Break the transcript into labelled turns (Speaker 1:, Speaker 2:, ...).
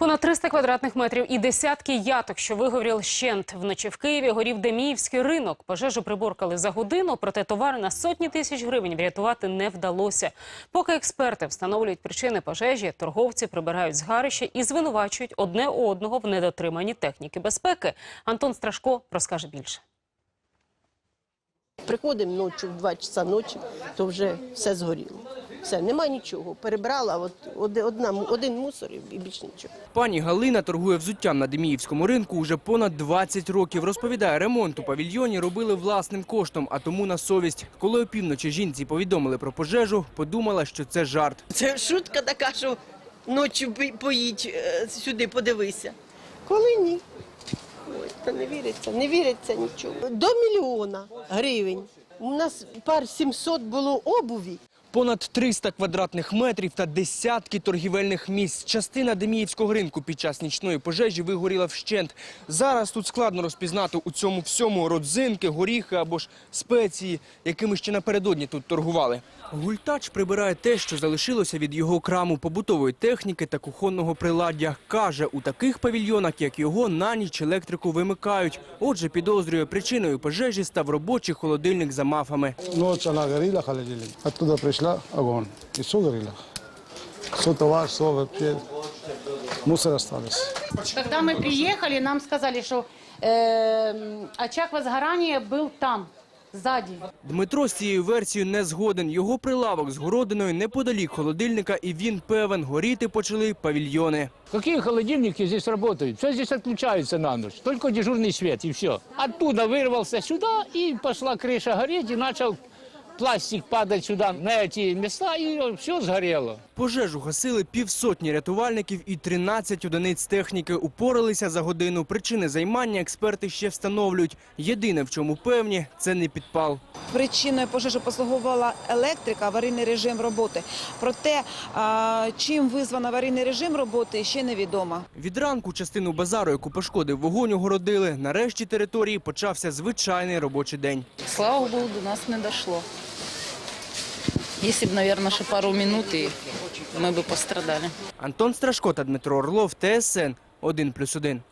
Speaker 1: Понад 300 квадратних метрів і десятки яток, що вигоріли вщент. Вночі в Києві горів Деміївський ринок. Пожежу приборкали за годину, проте товари на сотні тисяч гривень врятувати не вдалося. Поки експерти встановлюють причини пожежі, торговці прибирають згарище і звинувачують одне одного в недотриманні техніки безпеки. Антон Страшко розкаже більше.
Speaker 2: Приходимо ночі, в 2 часа ночі, то вже все згоріло. Все, нема нічого. Перебрала один мусор і більше нічого.
Speaker 3: Пані Галина торгує взуттям на Деміївському ринку уже понад 20 років. Розповідає, ремонт у павільйоні робили власним коштом, а тому на совість. Коли опівночі жінці повідомили про пожежу, подумала, що це жарт.
Speaker 2: Це шутка така, що ночі поїдь сюди, подивися. Коли ні. Ой, та не віриться нічого. До 1 мільйона гривень. У нас пар 700 було обуві.
Speaker 3: Понад 300 квадратних метрів та десятки торгівельних місць. Частина Деміївського ринку під час нічної пожежі вигоріла вщент. Зараз тут складно розпізнати у цьому всьому родзинки, горіхи або ж спеції, якими ще напередодні тут торгували. Гультач прибирає те, що залишилося від його краму, побутової техніки та кухонного приладдя. Каже, у таких павільйонах, як його, на ніч електрику вимикають. Отже, підозрює, причиною пожежі став робочий холодильник за мафами.
Speaker 4: Ночь она горела, холодильник. Оттуда пришла огонь. И все горело. Все товар, все вообще. Мусор остались.
Speaker 5: Когда мы приехали, нам сказали, что очаг возгорания был там, сзади.
Speaker 3: Дмитро з цією версією не згоден. Його прилавок з городиною неподалік холодильника, і він певен, горіти почали павільйони.
Speaker 6: Какие холодильники здесь работают? Все здесь отключается на ночь. Только дежурный свет и все. Оттуда вырвался сюда, и пошла крыша гореть, и начал пластик падать сюда на эти места, и все сгорело.
Speaker 3: Пожежу гасили 150 рятувальників і 13 одиниць техніки. Упоралися за годину. Причини займання експерти ще встановлюють. Єдине, в чому певні, це не підпал.
Speaker 7: Причиною пожежі послугувала електрика, аварійний режим роботи. Проте, чим визвано аварійний режим роботи, ще невідомо.
Speaker 3: Від ранку частину базару, яку пошкодив вогонь, огородили. Нарешті території почався звичайний робочий день.
Speaker 8: Слава Богу, до нас не дійшло. Если бы, наверное, ще пару минут, и мы бы пострадали.
Speaker 3: Антон Страшко та Дмитро Орлов, ТСН 1+1.